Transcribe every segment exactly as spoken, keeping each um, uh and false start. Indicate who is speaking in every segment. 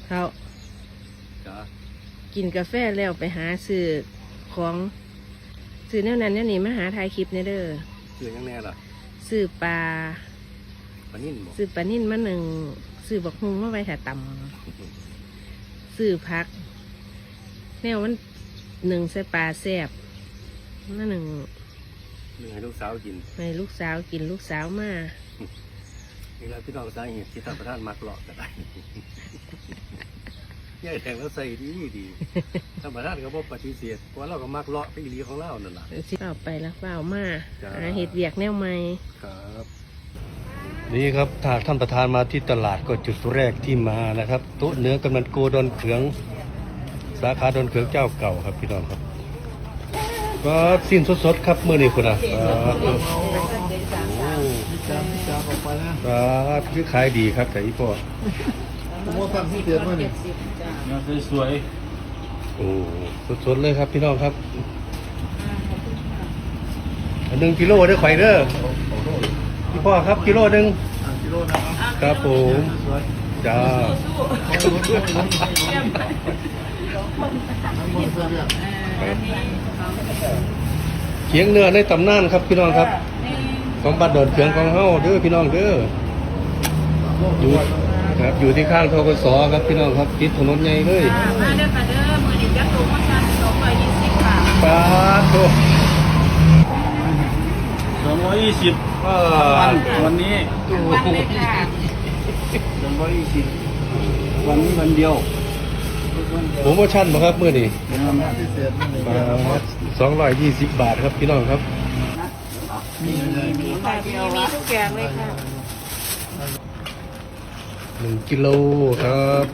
Speaker 1: เขา
Speaker 2: จ้า
Speaker 1: กินกาแฟแล้วไปหาซื้อของซื้อแนวนั้นแนวนี้มาหาถ่ายคลิปเนี่ยเด้อ
Speaker 2: ซื้อยังแน่ล่ะ
Speaker 1: ซื้อปลา
Speaker 2: ปลานิ่นบ่
Speaker 1: ซื้อปลานิ่นมาหนึ่งซื้อบักฮุงมาไว้ถ่าตำซื้อพักแนวมันหนึ่งใส่ปลาแซ่บมาหนึ่ง
Speaker 2: หนึ่งให้ลูกสาวกิน
Speaker 1: ให้ลูกสาวกินลูกสาวมา
Speaker 2: นี่แหละพี่น้องสาเหตุที่ท่านประธานมักเลาะก็ได้ย่ายแทงแล้วใส่ดีดีท่านประธานก็บอกปฏิเสธเพราะเราก็มักเลาะไปอีหลีของเรานั่นแหละ
Speaker 1: สิเอาไปแล้วเปล่ามาเห็ดเวียกแนวใหม่
Speaker 2: ครับนี่ครับถ้าท่านประธานมาที่ตลาดก็จุดแรกที่มานะครับโต๊ะเนื้อกำนันโกดอนเขืองสาขาดอนเขืองเจ้าเก่าครับพี่น้องครับก็สิ้นสดๆครับเมื่อนี้คุณอ่ะครับคือขายดีครับแต่อีพ่อ
Speaker 3: ผมว่าฟังที่เดือนว่านี่
Speaker 2: งานสวยโอ้สดๆเลยครับพี่น้องครับหนึ่งกิโลได้ไข่เด้อพี่พ่อครับกิโลหนึ่ง
Speaker 3: กิโล
Speaker 2: นะครับผมจ้าเขียงเนื้อในตำนานครับพี่น้องครับของบ้านดอนเขืองของเฮาเด้อพี่น้องเด้ออยู่ครับอยู่ที่ข้างทกศครับพี่น้องครับติดถนนใหญ่เลย
Speaker 4: มาเด้อค่ะเด้อมือดิจักโตมาซันสองร้อยยี่สิบค่ะ
Speaker 2: ปาโถ
Speaker 3: สองร้อยยี่สิบวันวันนี้
Speaker 4: วันเลยค่ะ
Speaker 3: สองร้อยยี่สิบวันนี้วันเดียว
Speaker 2: โปรโมชั่นบ่ครับมื้อนี้สองร้อยยี่สิบบาทครับพี่น้องครับ
Speaker 4: มีมีค่ะมีมีทุกอย่างเลยค่ะ
Speaker 2: หนึ่งกิโลครับ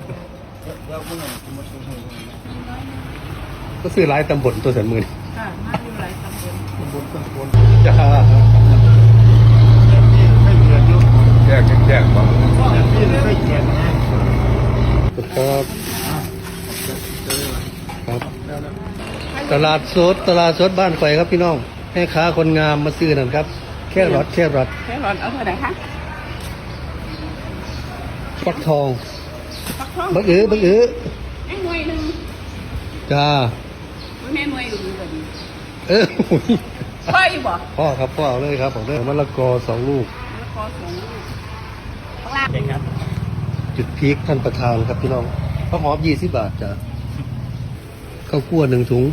Speaker 2: ก็ซื้อหลายตำบลตัวแสนหมื่น
Speaker 4: ค่ะมาอยู่หลายตำบล
Speaker 3: ตำบลตำบล
Speaker 2: จ้าแจกแจกบ้างครับครับตลาดสดตลาดสดบ้านไฟครับพี่น้องให้ค้าคนงามมาซื้อนั่นครับแค่รถแค่รถ
Speaker 4: แค่รถเอาเท่าไหร่คะ
Speaker 2: ฟักทองบักอื้อบักอื้อ
Speaker 4: ไอ้หน่วยหนึ่ง
Speaker 2: จ้า
Speaker 4: แม่หน่วยอยู่แบบนี้
Speaker 2: เออ
Speaker 4: พ่ออยู่บ่
Speaker 2: พ่อครับพ่อเอาเลยครับผมได้มะละกอสองลูก
Speaker 4: มะละกอสองลูกข้างล่างเด็กครับ
Speaker 2: จุดพีคท่านประธานครับพี่น้องข้าวหอมยี่สิบบาทจ้ะข้าวคั่วหนึ่งถุง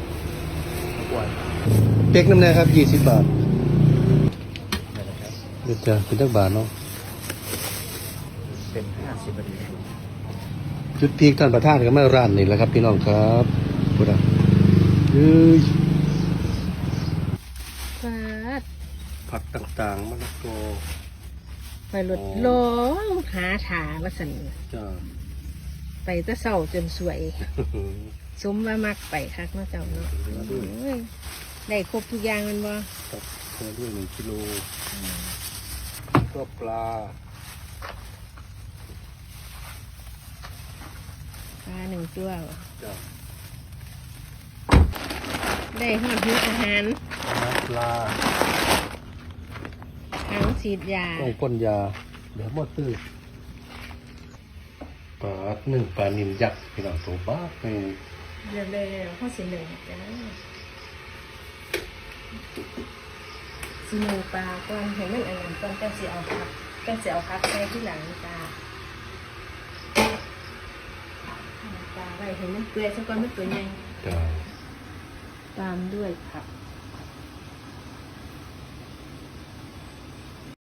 Speaker 2: เป๊กน้ำแน่ครับยี่สิบบาทเดี๋ยวจะเป็นตักบาทเนาะ
Speaker 3: เป็นห้าสิบนาที
Speaker 2: จุดพีคท่านประธานก็ไม่ร้านนี่แหละครับพี่น้องครับพูดอ่ะเฮ้ยผักต่างๆมะละกอ
Speaker 1: ไปรถล้องหาถาว่าสัน
Speaker 2: จ้า
Speaker 1: ไปตะเศร้าจนสวยสมว่ามักไปคักเนาะเจ้าเนาะได้ครบทุกอย่างมันบ่
Speaker 2: ครับเพิ่มด้วยหนึ่งกิโลก็ปลา
Speaker 1: ปลาหนึ่งตัว
Speaker 2: จ้า
Speaker 1: ได้หอดหิวอาหาร
Speaker 2: ปลา
Speaker 1: ทั้งฉีดยา
Speaker 2: ต้องพ่นยาเดี๋ยวหมดตื้อปลาหนึ่งปลานิลยักษ์พี่น้องตัวบ้าไป
Speaker 1: เดี๋ยวเลยข้อสิหนึ่งจ้าสิหนึ่งปลาก่อนให้มันอันนั้นก่อนก็จะเอาพักก็จะเอาพักใส่ที่หลังจ้าปลาไว้ให้มันเปื่อยสักก่อนมันตัวใหญ่
Speaker 2: จ้า
Speaker 1: ตามด้วยผัก